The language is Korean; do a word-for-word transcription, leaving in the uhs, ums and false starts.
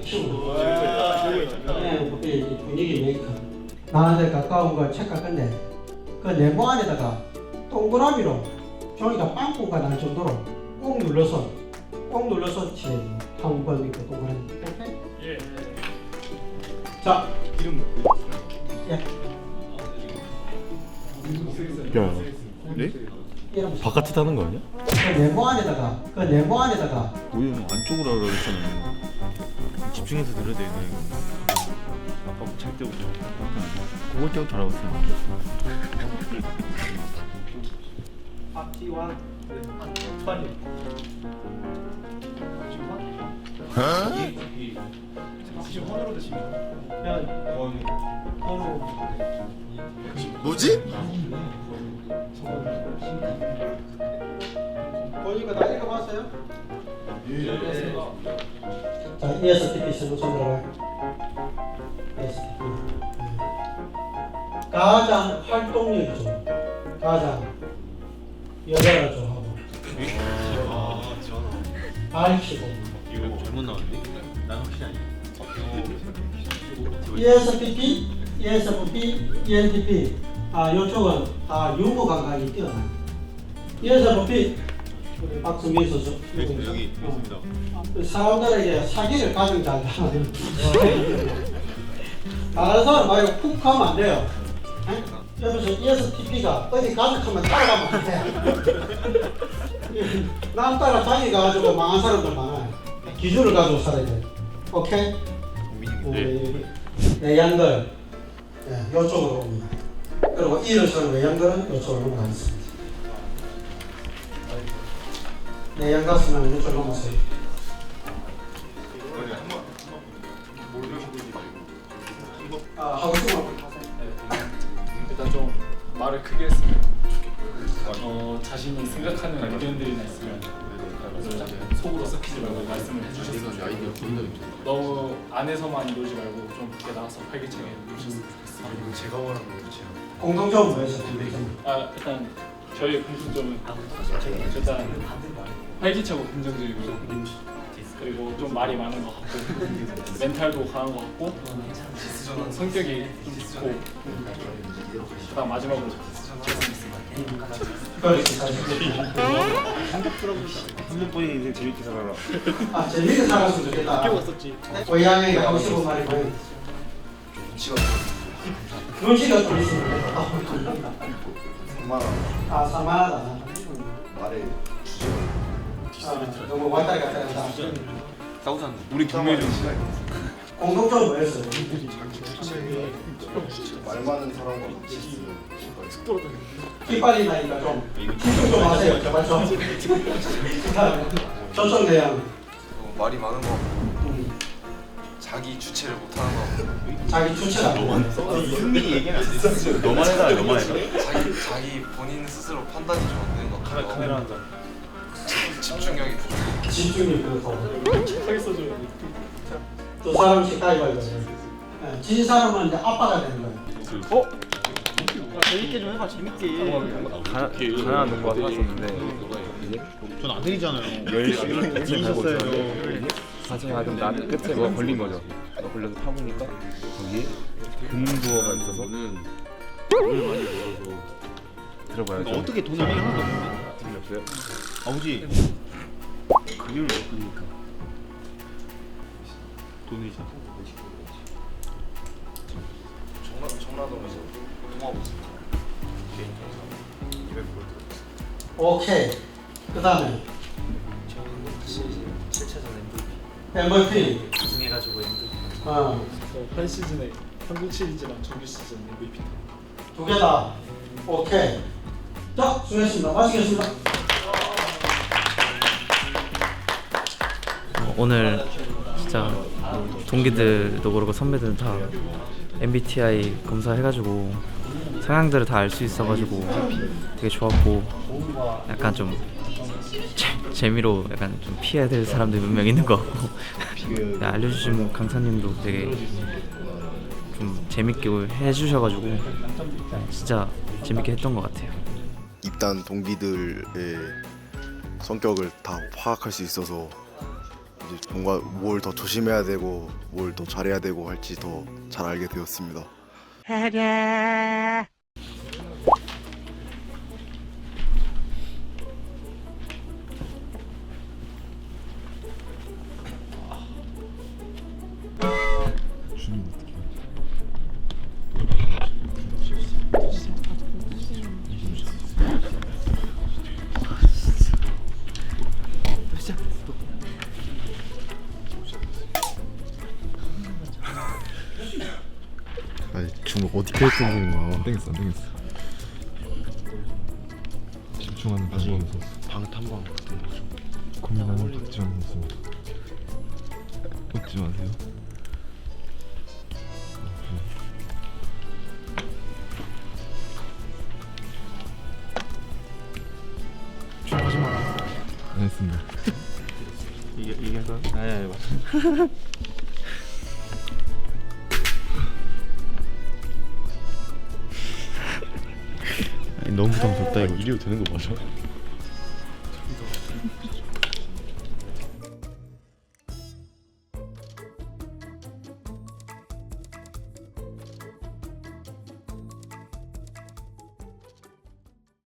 키우는 거. 분위기 메이커. 나한테 가까운 거 체크할 건데 그 네모 안에다가 동그라미로 종이가 빵꾸가 날 정도로 꾹 눌러서 꾹 눌러서 칠해요. 한 번 있고 동그라미. 오케이? 예. 자, 이름 예. 야, 네? 이름 바깥에 타는 거 아니야? 그 네모 안에다가 그 네모 안에다가 우리는 안쪽으로 하라고 했잖아요. 집중해서 들어야 돼. 아까 잘 때부터 그걸 때부터 하라고 했잖아. 파티원 파티. 지금 헌으로 드시면 뭐지? 보니까 다 읽어봤어요? 예. 자, 이에스티피 선거 손 들어봐요. 이에스티피. 가장 활동력이 좋은, 가장 여자가 좋아하고, 밝히고. 이거 잘못 나왔는데? 난 확실히 아니야. 이에스티피, 이에스에프피, 이엔티피. 아, 이쪽은 다 유머 감각이 뛰어나요. 이에스에프피, 우리 박승민 선수. 여기 있습니다. 사람들에게 사기를 가장 잘 하는 다른 사람 말고 훅 하면 안 돼요. 에? 여기서 이에스티피가 어디 가득하면 따라가면 안 돼. 남 따라 자기 가지고 망한 사람들 많아요. 기준을 가지고 살아야 돼. 오케이? 우리 내양들 네, 이쪽으로 옵니다. 그리고 일어서는 외양들은 이쪽으로 넘어가겠습니다. 내양 갔으면 이쪽으로 넘어가세요. 아, 하고 싶은 거 일단 좀 말을 크게 했으면 좋겠고요. 어, 자신이 생각하는 의견들이나 있으면 속으로 썩히지 말고 말씀을 해주셨으면 좋겠고 너무 안에서만 이러지 말고 좀 밖에 나가서 활기차게 해주셨으면 좋겠습니다. 제가 원하는 거지. 공통점은 뭐였어요? 아 일단 저희 공통점은 일단 활기차고 긍정적이고 그리고 좀 말이 많은 것 같고 멘탈도 강한 것 같고 성격이 좀 좋고 그다음 마지막으로 그렇지, 사실. 한번 보니 인생 재밌게 살아라. 아, 재밌게 살았으면 좋겠다. 끼웠었지. 고양이에게 하고 싶은 말이 뭐예요? 눈치가 좀 있으면 좋겠다. 정말 아, 산만하다. 말에 아, 너무 왔다 갔다 한다. 싸우자. 우리 경매를 공통점은 뭐였어요? 말 많은 사람과 같이 있으면 깃발이 나니까 좀 집중 좀 하세요. 제발 좀. 그다음에 저쪽 내용. 어, 말이 많은 거 음, 자기 주체를 못하는 거 자기 주체가 이승민이 얘기하면 안 돼. 너만 해라, 너만 해라. 자기 자기 본인 스스로 판단이 좀 안 되는 것 같아요. 카메라 한 장. 집중력이 부족해. 집중이 그렇고 착하게 써줘야 돼. 두 사람씩 가위바위보. 네, 진 사람은 이제 아빠가 되는 거예요. 어? 재밌게 좀 해봐, 재밌게. 가, 가난한 농부가 살았었는데 이제 전 아들이잖아요. 열심히 재밌었어요. 가슴에 가끔 나 끝에 뭐가 걸린 거죠. 뭐 걸려서 타보니까 거기에 금부어가 있어서 돈을 많이 벌어서 들어봐야죠. 그러니까 어떻게 돈을 하나도 없는데? 재미없어요? 아버지 그림을 못 그리니까 돈이잖아. 정나 정나동에서 통화보스 개인 통장 이백 볼트. 오케이. 그 다음에 저는 다시 칠 차전 엠브이피 엠브이피. 우승해가지고 엠브이피. 어, 한 시즌에 한국 시리즈랑 정규 시즌 엠브이피. 두 개 다. 오케이. 자, 수고했습니다. 마치겠습니다. 오늘 진짜 동기들도 그렇고 선배들은 다 엠비티아이 검사해가지고 성향들을 다 알 수 있어가지고 되게 좋았고 약간 좀 재, 재미로 약간 좀 피해야 될 사람들이 몇 명 있는 것 같고 네, 알려주신 강사님도 되게 좀 재밌게 해주셔가지고 네, 진짜 재밌게 했던 것 같아요. 입단 동기들의 성격을 다 파악할 수 있어서 이제 뭔가 뭘 더 조심해야 되고 뭘 더 잘해야 되고 할지 더 잘 알게 되었습니다. 아니 지금 어디 계획 중인 거야? 안 되겠어 안 되겠어 집중하는 박지원 선수 방탄방 같은 거죠. 고민하는 박지원 선수 웃지 마세요 하지 마. 안 했습니다 이게 이게 해서 아니 아니 맞아. 너무 부담스럽다 이거 이래도 되는 거 맞아?